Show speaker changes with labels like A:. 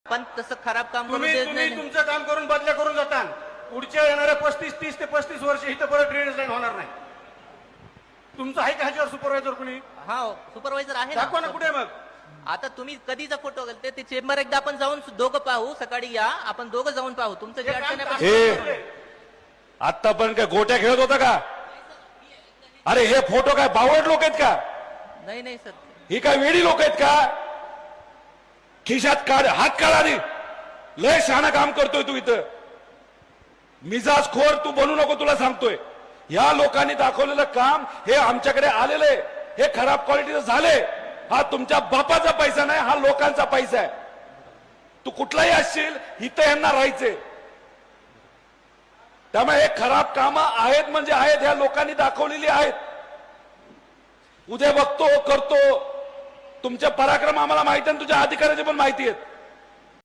A: पण तसं खराब काम करून
B: तुम्ही
A: देत
B: तुम्ही
A: नाही.
B: तुमचं काम करून बदल्या करून जाताल. पुढच्या येणाऱ्या 30 ते 35 वर्ष इथं परत ड्रेनेज लाईन होणार नाही. तुमचं आहे का ह्याच्यावर सुपरवायझर कुणी?
A: हा सुपरवायझर आहे
B: दाखवा ना कुठे मग.
A: आता तुम्ही कधीचा फोटो घालते ते चेंबर एकदा आपण जाऊन दोघं पाहू. सकाळी या आपण दोघं जाऊन पाहू. तुमचं जे
B: हे काम
A: अडचण आहे
C: हे आतापर्यंत काय गोट्या खेळत होता का? अरे हे फोटो काय बावड लोक आहेत का?
A: नाही नाही सर.
C: ही काय वेडी लोक आहेत का? खिशात काढ, हात काढा रे. लय शहाणा काम करतोय तू इथं. मिजाज खोर तू बनू नको, तुला सांगतोय. या लोकांनी दाखवलेलं काम हे आमच्याकडे आलेलं आहे. हे खराब क्वालिटीचं झाले. हा तुमच्या बापाचा पैसा नाही, हा लोकांचा पैसा आहे. तू कुठलाही असशील इथं यांना राहायचे. त्यामुळे हे खराब कामं आहेत म्हणजे आहेत, ह्या लोकांनी दाखवलेली आहेत. उद्या बघतो करतो. तुमचे पराक्रम आम्हाला माहिती आहे, तुझ्या अधिकाऱ्याचे पण माहिती आहेत.